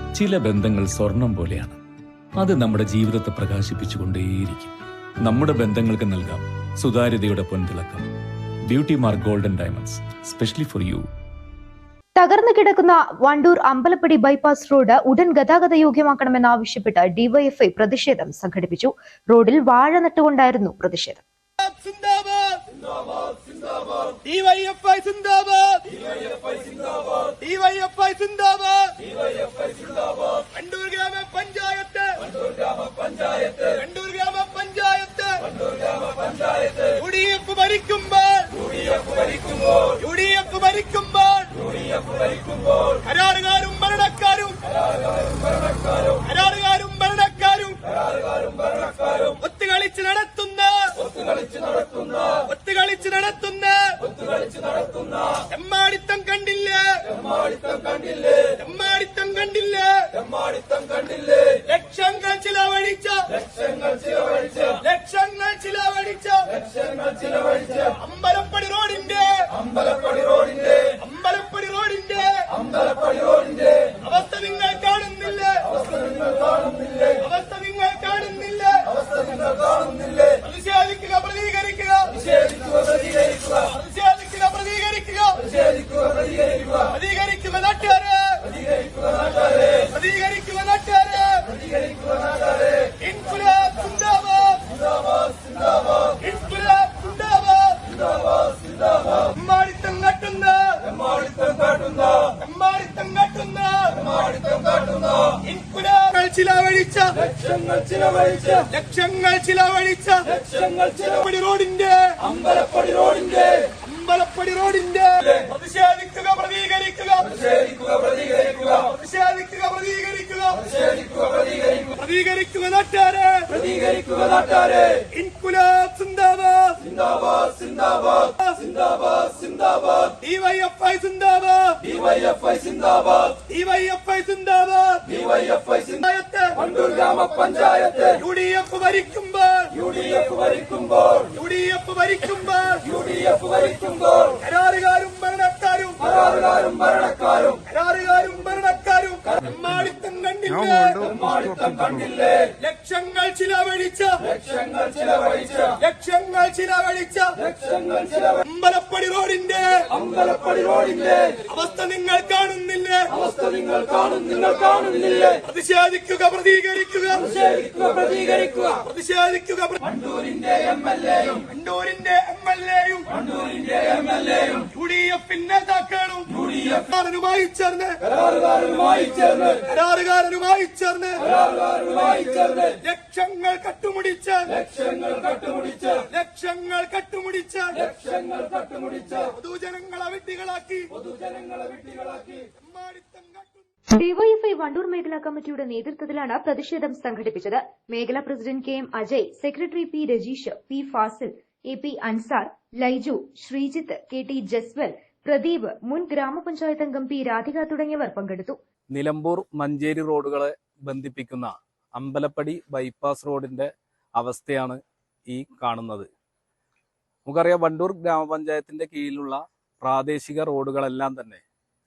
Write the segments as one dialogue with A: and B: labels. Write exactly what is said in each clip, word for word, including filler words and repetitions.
A: ചില ബന്ധങ്ങൾ സ്വർണം പോലെയാണ്. അത് നമ്മുടെ ജീവിതത്തെ പ്രകാശിപ്പിച്ചുകൊണ്ടേയിരിക്കും. നമ്മുടെ ബന്ധങ്ങൾക്ക് നൽകാം സുതാര്യതയുടെ പൊൻതിളക്കം. Beauty mark golden diamonds, specially for you.
B: തകർന്നു കിടക്കുന്ന വണ്ടൂർ അമ്പലപ്പടി ബൈപ്പാസ് റോഡ് ഉടൻ ഗതാഗത യോഗ്യമാക്കണമെന്നാവശ്യപ്പെട്ട് ഡിവൈഎഫ്ഐ പ്രതിഷേധം സംഘടിപ്പിച്ചു. റോഡിൽ വാഴ നട്ടുകൊണ്ടായിരുന്നു പ്രതിഷേധം.
C: വണ്ടൂർ ഗ്രാമപഞ്ചായത്ത് വണ്ടൂർ ഗ്രാമപഞ്ചായത്ത് യു ഡി എഫ് ഭരിക്കുമ്പോൾ യു ഡി എഫ് ഭരിക്കുമ്പോൾ കരാറുകാരും ഭരണക്കാരും കരാറുകാരും ഭരണക്കാരും ഒത്തുകളിച്ച് നടത്തുന്ന ഒത്തുകളിച്ച് നടത്തുന്ന എമ്മാടിത്തം കണ്ടില്ലേ എമ്മാടിത്തം കണ്ടില്ലേ ലക്ഷങ്ങൾ ചിലവഴിച്ച ലക്ഷങ്ങൾ ചിലവഴിച്ച അമ്പലപ്പടി റോഡിന്റെ അമ്പലപ്പടി റോഡിന്റെ അമ്പലപ്പടി റോഡിന്റെ അമ്പലപ്പടി റോഡിന്റെ അവസ്ഥ നിങ്ങൾ കാണുന്നില്ലേ അവസ്ഥ നിങ്ങൾ കാണുന്നില്ലേ അവസ്ഥ നിങ്ങൾ കാണുന്നില്ലേ അവസ്ഥ നിങ്ങൾ കാണുന്നില്ലേ പ്രതിഷേധിക്കുക പ്രതികരിക്കുക പ്രതിഷേധിക്കുക പ്രതികരിക്കുക പ്രതിഷേധിക്കുക പ്രതികരിക്കുക പ്രതിഷേധിക്കുക പ്രതികരിക്കുക പ്രതികരിക്കുക നാട്ടുകാരെ പ്രതികരിക്കുക നാട്ടുകാരെ പ്രതികരിക്കുക നാട്ടുകാരെ പ്രതികരിക്കുക നാട്ടുകാരെ ഇൻകുലാബ് സിന്ദാബാദ് സിന്ദാബാദ് സിന്ദാബാദ് ഇൻകുലാബ് സിന്ദാബാദ് സിന്ദാബാദ് സിന്ദാബാദ് എമ്മാടിത്തം കാട്ടുന്ന എമ്മാടിത്തം കാട്ടുന്ന എമ്മാടിത്തം കാട്ടുന്ന എമ്മാടിത്തം കാട്ടുന്ന ഇൻകുലാബ് ചിലവഴിച്ച ലക്ഷങ്ങൾ ചിലവഴിച്ച ലക്ഷങ്ങൾ ചിലവഴിച്ച ലക്ഷങ്ങൾ ചിലവടി റോഡിന്റെ അമ്പലപ്പടി റോഡിന്റെ അമ്പലപ്പടി റോഡിന്റെ പ്രതിഷേധിക്കുക പ്രതികരിക്കുക പ്രതിഷേധിക്കുക പ്രതികരിക്കുക പ്രതിഷേധിക്കുക പ്രതികരിക്കുക പ്രതിഷേധിക്കുക പ്രതികരിക്കുക പ്രതികരിക്കുക നാട്ടുകാരെ പ്രതികരിക്കുക നാട്ടുകാരെ ഇൻകുലാബ് സിന്ദാബാദ് സിന്ദാബാദ് സിന്ദാബാദ് സിന്ദാബാദ് സിന്ദാബാദ് ഡിവൈഎഫ്ഐ സിന്ദാബാദ് ഡിവൈഎഫ്ഐ സിന്ദാബാദ് ഡിവൈഎഫ്ഐ സിന്ദാബാദ് ഡിവൈഎഫ്ഐ സിന്ദാബാദ് വണ്ടൂർ ഗ്രാമപഞ്ചായത്ത് യു ഡി എഫ് ഭരിക്കുമ്പോൾ യു ഡി എഫ് ഭരിക്കുമ്പോൾ യു ഡി എഫ് ഭരിക്കുമ്പോൾ യു ഡി എഫ് ഭരിക്കുമ്പോൾ കരാറുകാരും ഭരണക്കാരും കരാറുകാരും ഭരണക്കാരും കരാറുകാരും ഭരണക്കാരും എമ്മാടിത്തം കണ്ടില്ലേ എമ്മാടിത്തം കണ്ടില്ലേ ലക്ഷങ്ങൾ ചിലവഴിച്ച ലക്ഷങ്ങൾ ചിലവഴിച്ച ലക്ഷങ്ങൾ ചിലവഴിച്ച ലക്ഷങ്ങൾ ചിലവഴിച്ച അമ്പലപ്പടി റോഡിന്റെ അമ്പലപ്പടി റോഡിന്റെ അവസ്ഥ നിങ്ങൾ കാണുന്നില്ലേ അവസ്ഥ നിങ്ങൾ കാണും നിങ്ങൾ കാണുന്നില്ലേ പ്രതിഷേധിക്കുക പ്രതികരിക്കുക പ്രതിഷേധിക്കുക പ്രതികരിക്കുക പ്രതിഷേധിക്കുക വണ്ടൂരിന്റെ എം എൽ എയും വണ്ടൂരിന്റെ എം എൽ എയും വണ്ടൂരിന്റെ എം എൽ എയും യു ഡി എഫ് നേതാക്കളും യു ഡി എഫ് കാരനുമായി ചേർന്ന് കരാറുകാരനുമായി ചേർന്ന് കരാറുകാരനുമായി ചേർന്ന് കരാറുകാരനുമായി ചേർന്ന് ലക്ഷങ്ങൾ കട്ടുമുടിച്ച് ലക്ഷങ്ങൾ കട്ടുമുടിച്ച് ലക്ഷങ്ങൾ കട്ടുമുടിച്ച് ലക്ഷങ്ങൾ കട്ടുമുടിച്ച് പൊതുജനങ്ങളെ വിഡ്ഢികളാക്കി പൊതുജനങ്ങളെ വിഡ്ഢികളാക്കി എമ്മാടിത്തം കട്ടു
B: ഡിവൈഎഫ്ഐ വണ്ടൂർ മേഖലാ കമ്മിറ്റിയുടെ നേതൃത്വത്തിലാണ് പ്രതിഷേധം സംഘടിപ്പിച്ചത്. മേഖലാ president K M Ajay, secretary P Rajeesh, P Fasil, A P Ansar, Laiju, Sreejith, K T Jaswal, Pradeep, മുൻ ഗ്രാമപഞ്ചായത്ത് അംഗം പി രാധിക തുടങ്ങിയവർ പങ്കെടുത്തു.
D: നിലമ്പൂർ മഞ്ചേരി റോഡുകളെ ബന്ധിപ്പിക്കുന്ന അമ്പലപ്പടി ബൈപ്പാസ് റോഡിന്റെ അവസ്ഥയാണ് ഈ കാണുന്നത്. നമുക്കറിയാം, വണ്ടൂർ ഗ്രാമപഞ്ചായത്തിന്റെ കീഴിലുള്ള പ്രാദേശിക റോഡുകളെല്ലാം തന്നെ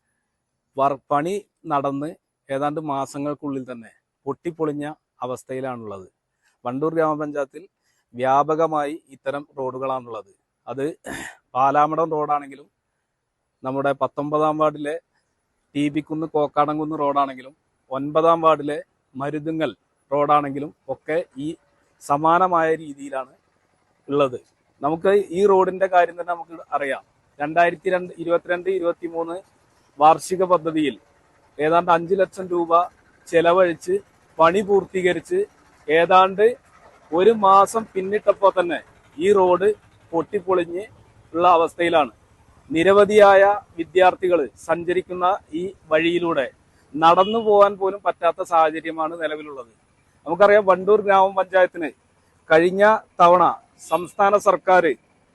D: പണി നടന്ന് ഏതാണ്ട് മാസങ്ങൾക്കുള്ളിൽ തന്നെ പൊട്ടിപ്പൊളിഞ്ഞ അവസ്ഥയിലാണുള്ളത്. വണ്ടൂർ ഗ്രാമപഞ്ചായത്തിൽ വ്യാപകമായി ഇത്തരം റോഡുകളാണുള്ളത്. അത് പാലാമടം റോഡാണെങ്കിലും നമ്മുടെ പത്തൊമ്പതാം വാർഡിലെ ടി ബിക്കുന്ന് കോക്കാടംകുന്ന് റോഡാണെങ്കിലും ഒൻപതാം വാർഡിലെ മരുതുങ്ങൽ റോഡാണെങ്കിലും ഒക്കെ ഈ സമാനമായ രീതിയിലാണ് ഉള്ളത്. നമുക്ക് ഈ റോഡിന്റെ കാര്യം തന്നെ നമുക്ക് അറിയാം. രണ്ടായിരത്തി രണ്ട് ഇരുപത്തിരണ്ട് ഇരുപത്തി മൂന്ന് വാർഷിക പദ്ധതിയിൽ ഏതാണ്ട് അഞ്ചു ലക്ഷം രൂപ ചെലവഴിച്ച് പണി പൂർത്തീകരിച്ച് ഏതാണ്ട് ഒരു മാസം പിന്നിട്ടപ്പോൾ തന്നെ ഈ റോഡ് പൊട്ടിപ്പൊളിഞ്ഞ് ഉള്ള അവസ്ഥയിലാണ്. നിരവധിയായ വിദ്യാർത്ഥികൾ സഞ്ചരിക്കുന്ന ഈ വഴിയിലൂടെ നടന്നു പോകാൻ പോലും പറ്റാത്ത സാഹചര്യമാണ് നിലവിലുള്ളത്. നമുക്കറിയാം, വണ്ടൂർ ഗ്രാമപഞ്ചായത്തിന് കഴിഞ്ഞ തവണ സംസ്ഥാന സർക്കാർ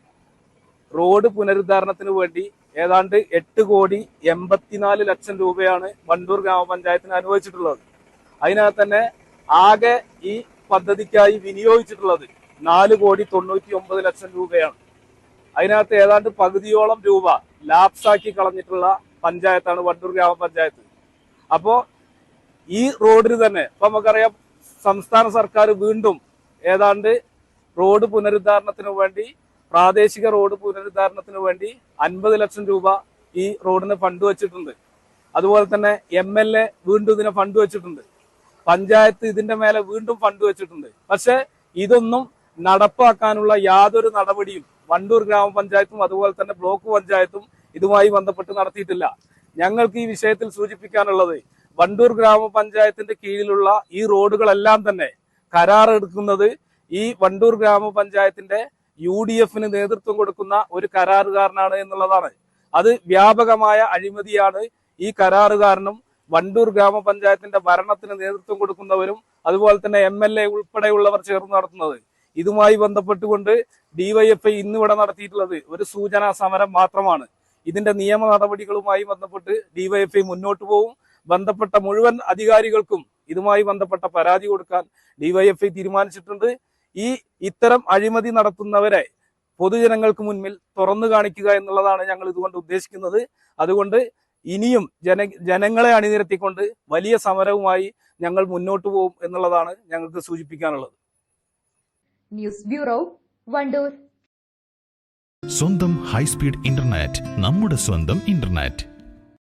D: റോഡ് പുനരുദ്ധാരണത്തിന് വേണ്ടി ഏതാണ്ട് എട്ട് കോടി എൺപത്തിനാല് ലക്ഷം രൂപയാണ് വണ്ടൂർ ഗ്രാമപഞ്ചായത്തിന് അനുവദിച്ചിട്ടുള്ളത്. അതിനകത്ത് തന്നെ ആകെ ഈ പദ്ധതിക്കായി വിനിയോഗിച്ചിട്ടുള്ളത് നാല് കോടി തൊണ്ണൂറ്റി ഒമ്പത് ലക്ഷം രൂപയാണ്. അതിനകത്ത് ഏതാണ്ട് പകുതിയോളം രൂപ ലാപ്സാക്കി കളഞ്ഞിട്ടുള്ള പഞ്ചായത്താണ് വണ്ടൂർ ഗ്രാമപഞ്ചായത്ത്. അപ്പോ ഈ റോഡിന് തന്നെ ഇപ്പൊ നമുക്കറിയാം സംസ്ഥാന സർക്കാർ വീണ്ടും ഏതാണ്ട് റോഡ് പുനരുദ്ധാരണത്തിന് വേണ്ടി പ്രാദേശിക റോഡ് പുനരുദ്ധാരണത്തിന് വേണ്ടി അൻപത് ലക്ഷം രൂപ ഈ റോഡിന് ഫണ്ട് വെച്ചിട്ടുണ്ട്. അതുപോലെ തന്നെ എം എൽ എ വീണ്ടും ഇതിനെ ഫണ്ട് വെച്ചിട്ടുണ്ട്. പഞ്ചായത്ത് ഇതിന്റെ മേലെ വീണ്ടും ഫണ്ട് വെച്ചിട്ടുണ്ട്. പക്ഷെ ഇതൊന്നും നടപ്പാക്കാനുള്ള യാതൊരു നടപടിയും വണ്ടൂർ ഗ്രാമപഞ്ചായത്തും അതുപോലെ തന്നെ ബ്ലോക്ക് പഞ്ചായത്തും ഇതുമായി ബന്ധപ്പെട്ട് നടത്തിയിട്ടില്ല. ഞങ്ങൾക്ക് ഈ വിഷയത്തിൽ സൂചിപ്പിക്കാനുള്ളത് വണ്ടൂർ ഗ്രാമപഞ്ചായത്തിന്റെ കീഴിലുള്ള ഈ റോഡുകളെല്ലാം തന്നെ കരാർ എടുക്കുന്നത് ഈ വണ്ടൂർ ഗ്രാമപഞ്ചായത്തിന്റെ യു ഡി എഫിന് നേതൃത്വം കൊടുക്കുന്ന ഒരു കരാറുകാരനാണ് എന്നുള്ളതാണ്. അത് വ്യാപകമായ അഴിമതിയാണ് ഈ കരാറുകാരനും വണ്ടൂർ ഗ്രാമപഞ്ചായത്തിന്റെ ഭരണത്തിന് നേതൃത്വം കൊടുക്കുന്നവരും അതുപോലെ തന്നെ എം എൽ എ ഉൾപ്പെടെയുള്ളവർ ചേർന്ന് നടത്തുന്നത്. ഇതുമായി ബന്ധപ്പെട്ടുകൊണ്ട് ഡിവൈഎഫ്ഐ ഇന്നിവിടെ നടത്തിയിട്ടുള്ളത് ഒരു സൂചനാ സമരം മാത്രമാണ്. ഇതിന്റെ നിയമ നടപടികളുമായി ബന്ധപ്പെട്ട് ഡിവൈഎഫ്ഐ മുന്നോട്ട് പോകും. ബന്ധപ്പെട്ട മുഴുവൻ അധികാരികൾക്കും ഇതുമായി ബന്ധപ്പെട്ട പരാതി കൊടുക്കാൻ ഡിവൈഎഫ്ഐ തീരുമാനിച്ചിട്ടുണ്ട്. ഈ ഇത്തരം അഴിമതി നടത്തുന്നവരെ പൊതുജനങ്ങൾക്ക് മുന്നിൽ തുറന്നു കാണിക്കുക എന്നുള്ളതാണ് ഞങ്ങൾ ഇതുകൊണ്ട് ഉദ്ദേശിക്കുന്നത്. അതുകൊണ്ട് ഇനിയും ജന ജനങ്ങളെ അണിനിരത്തിക്കൊണ്ട് വലിയ സമരവുമായി ഞങ്ങൾ മുന്നോട്ട് പോകും എന്നുള്ളതാണ് ഞങ്ങൾക്ക് സൂചിപ്പിക്കാനുള്ളത്.
B: News bureau, Wandoor.
E: സ്വന്തം ഹൈസ്പീഡ് ഇന്റർനെറ്റ്, നമ്മുടെ സ്വന്തം ഇന്റർനെറ്റ്.